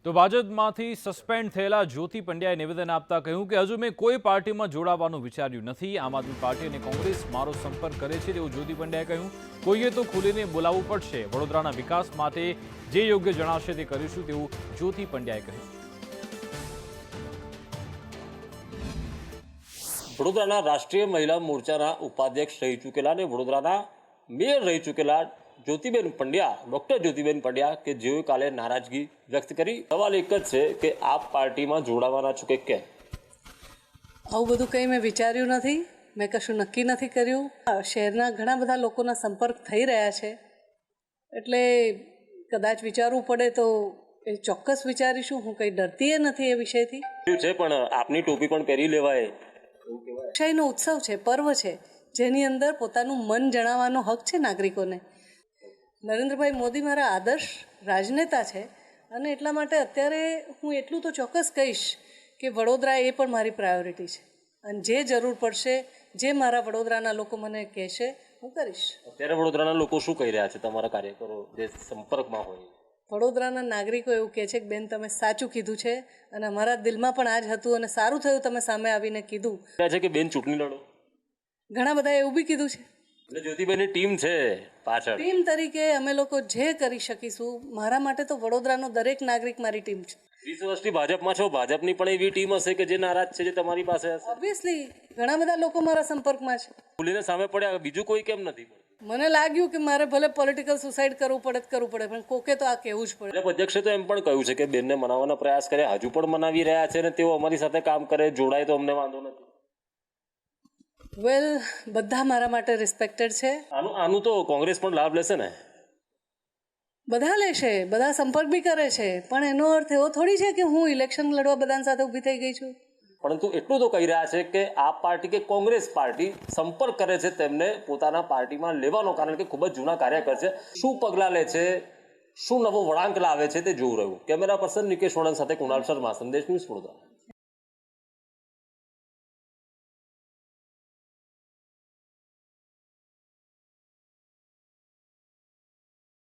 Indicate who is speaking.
Speaker 1: તો ભાજપમાંથી સસ્પેન્ડ થયેલા જ્યોતિ પંડ્યાએ નિવેદન આપતા કહ્યું કે હજુ મેં કોઈ પાર્ટીમાં જોડાવાનું વિચાર્યું નથી। આમ આદમી પાર્ટી અને કોંગ્રેસ મારો સંપર્ક કરે છે તેવું જ્યોતિ પંડ્યાએ કહ્યું। કોઈએ તો ખુલીને બોલાવવું પડશે। વડોદરાના વિકાસ માટે જે યોગ્ય જણાશે તે કરીશું તેવું જ્યોતિ પંડ્યાએ કહ્યું।
Speaker 2: વડોદરાના રાષ્ટ્રીય મહિલા મોરચાના ઉપાધ્યક્ષ રહી ચૂકેલા અને વડોદરાના મેયર રહી ચૂકેલા જ્યોતિબેન પંડ્યા, ડોક્ટર જ્યોતિબેન પંડ્યા કે જેઓએ કાલે નારાજગી વ્યક્ત કરી। સવાલ એક જ છે કે આપ પાર્ટીમાં જોડાવાના છો કે કેમ?
Speaker 3: આવું બધું કંઈ મેં વિચાર્યું નથી, મેં કશું નક્કી નથી કર્યું। શહેરના ઘણા બધા લોકોના સંપર્ક થઈ રહ્યા છે, એટલે કદાચ વિચારવું પડે તો એ ચોક્કસ વિચારીશું। હું કંઈ ડરતી નથી એ વિષયથી।
Speaker 2: છે પણ આપની ટોપી પણ પહેરી લેવાય।
Speaker 3: લોકશાહીનો ઉત્સવ છે, પર્વ છે, જેની અંદર પોતાનું મન જણાવવાનો હક છે નાગરિકોને। નરેન્દ્રભાઈ મોદી મારા આદર્શ રાજનેતા છે અને એટલા માટે અત્યારે હું એટલું તો ચોક્કસ કહીશ કે વડોદરા એ પણ મારી પ્રાયોરિટી છે અને જે જરૂર પડશે, જે મારા વડોદરાના લોકો મને કહેશે, હું કરીશ।
Speaker 2: અત્યારે વડોદરાના લોકો શું કહી રહ્યા છે તમારા કાર્યકરો જે સંપર્કમાં હોય?
Speaker 3: વડોદરાના નાગરિકો એવું કહે છે કે બેન તમે સાચું કીધું છે અને અમારા દિલમાં પણ આ જ હતું અને સારું થયું તમે સામે આવીને કીધું
Speaker 2: છે કે બેન ચૂંટણી લડો।
Speaker 3: ઘણા બધાએ એવું બી કીધું છે।
Speaker 2: એટલે જ્યોતિબેનની ટીમ છે પાછળ।
Speaker 3: ટીમ તરીકે અમે લોકો જે કરી શકીશું, મારા માટે તો વડોદરાનો દરેક નાગરિક મારી ટીમ છે।
Speaker 2: 20 વર્ષથી ભાજપમાં છો, ભાજપની પણ એવી ટીમ હશે કે જે નારાજ છે, જે તમારી પાસે હશે।
Speaker 3: ઓબ્વિયસલી ઘણા બધા લોકો મારા સંપર્કમાં છે।
Speaker 2: ખુલીને સામે પડ્યા, બીજું કોઈ કેમ નથી?
Speaker 3: મને લાગ્યું કે મારે ભલે પોલિટિકલ સુસાઇડ કરવું પડે પણ કોકે તો આ કહેવું જ પડે।
Speaker 2: ભાજપ અધ્યક્ષે તો એમ પણ કહ્યું છે કે બેનને મનાવવાનો પ્રયાસ કરે, હજુ પણ મનાવી રહ્યા છે અને તેઓ અમારી સાથે કામ કરે, જોડાય તો અમને વાંધો નથી।
Speaker 3: વેલ, બધા મારા માટે રિસ્પેક્ટેડ છે।
Speaker 2: આનું તો કોંગ્રેસ પણ લાભ લેશે ને?
Speaker 3: બધા લેશે, બધા સંપર્ક બી કરે છે, પણ એનો અર્થ એવો થોડી છે કે હું ઇલેક્શન લડવા બધાની સાથે ઊભી થઈ ગઈ છું।
Speaker 2: પરંતુ એટલું તો કહી રહ્યા છે કે આપ પાર્ટી કે કોંગ્રેસ પાર્ટી સંપર્ક કરે છે તેમને પોતાના પાર્ટીમાં લેવાનો, કારણ કે ખૂબ જ જૂના કાર્યકર છે। શું પગલાં લે છે, શું નવો વળાંક લાવે છે તે જોવું રહ્યું। કેમેરા પર્સન નિકેશ વળન સાથે કુણાલ શર્મા, સંદેશ ન્યૂઝ, વડોદરા।